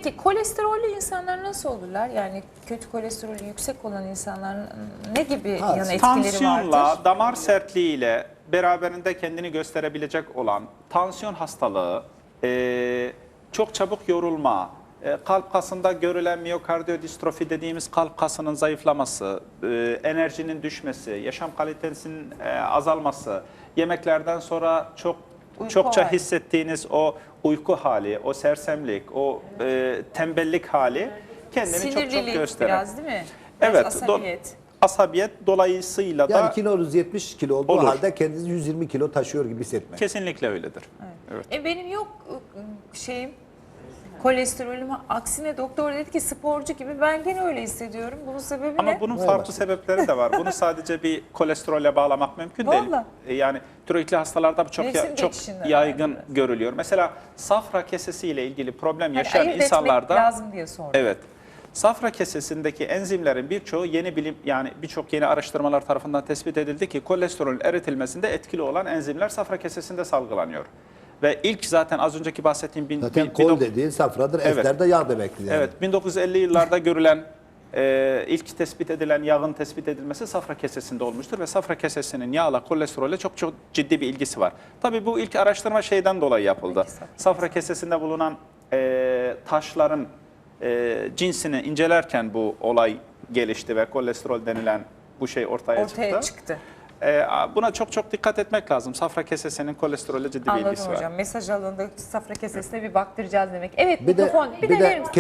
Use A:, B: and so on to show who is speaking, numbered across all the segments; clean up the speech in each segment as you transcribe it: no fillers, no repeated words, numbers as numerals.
A: Peki kolesterollü insanlar nasıl olurlar? Yani kötü kolesterolü yüksek olan insanların ne gibi yan etkileri
B: Tansiyonla,
A: vardır?
B: damar sertliğiyle beraberinde kendini gösterebilecek olan tansiyon hastalığı, çok çabuk yorulma, kalp kasında görülen miyokardiyodistrofi dediğimiz kalp kasının zayıflaması, enerjinin düşmesi, yaşam kalitesinin azalması, yemeklerden sonra çokça
A: hali.
B: hissettiğiniz o uyku hali, o sersemlik, o tembellik hali kendini çok
A: Sinirlilik
B: gösteren.
A: biraz değil mi? Biraz
B: Evet,
A: asabiyet.
B: asabiyet dolayısıyla
C: Yani
B: da
C: kilonuz 70 kilo olduğu
B: Olur.
C: halde kendinizi 120 kilo taşıyor gibi hissetmek.
B: kesinlikle öyledir. Evet.
A: Benim yok şeyim kolesterolüm, aksine doktor dedi ki sporcu gibi, ben gene öyle hissediyorum. Bunun sebebi
B: Ama
A: ne?
B: bunun
C: Vay
B: farklı
C: bak.
B: sebepleri de var. Bunu sadece bir kolesterole bağlamak mümkün değil.
A: Vallahi.
B: Yani tiroidli hastalarda bu çok
A: Mevsim
B: çok
A: geçişinden
B: yaygın
A: herhalde.
B: görülüyor. Mesela safra kesesiyle ilgili problem
A: Hani
B: yaşayan
A: ayırt
B: insanlarda
A: etmek lazım diye sordum.
B: evet. Safra kesesindeki enzimlerin birçoğu birçok yeni araştırmalar tarafından tespit edildi ki kolesterolün eritilmesinde etkili olan enzimler safra kesesinde salgılanıyor. Ve ilk zaten az önceki bahsettiğim
C: Zaten kol dediğin safradır,
B: Evet.
C: ester de yağ demektir yani.
B: Evet, 1950 yıllarda görülen ilk tespit edilen yağın tespit edilmesi safra kesesinde olmuştur ve safra kesesinin yağla kolesterole çok ciddi bir ilgisi var. Tabii bu ilk araştırma şeyden dolayı yapıldı. Safra kesesinde bulunan taşların cinsini incelerken bu olay gelişti ve kolesterol denilen bu şey ortaya çıktı. Buna çok dikkat etmek lazım. Safra kesesinin kolesterole ciddi bir
A: Anladım
B: ilgisi var.
A: hocam. Mesaj alındı. Safra kesesine bir baktıracağız demek. Evet,
C: Bir de,
A: mikrofon.
C: bir
A: verir
C: de
A: misin?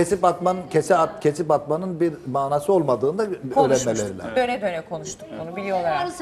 C: kesip atmanın bir manası olmadığını da öğrenmeleri
A: Konuşmuştuk.
C: lazım.
A: Döne döne konuştuk bunu, biliyorlar.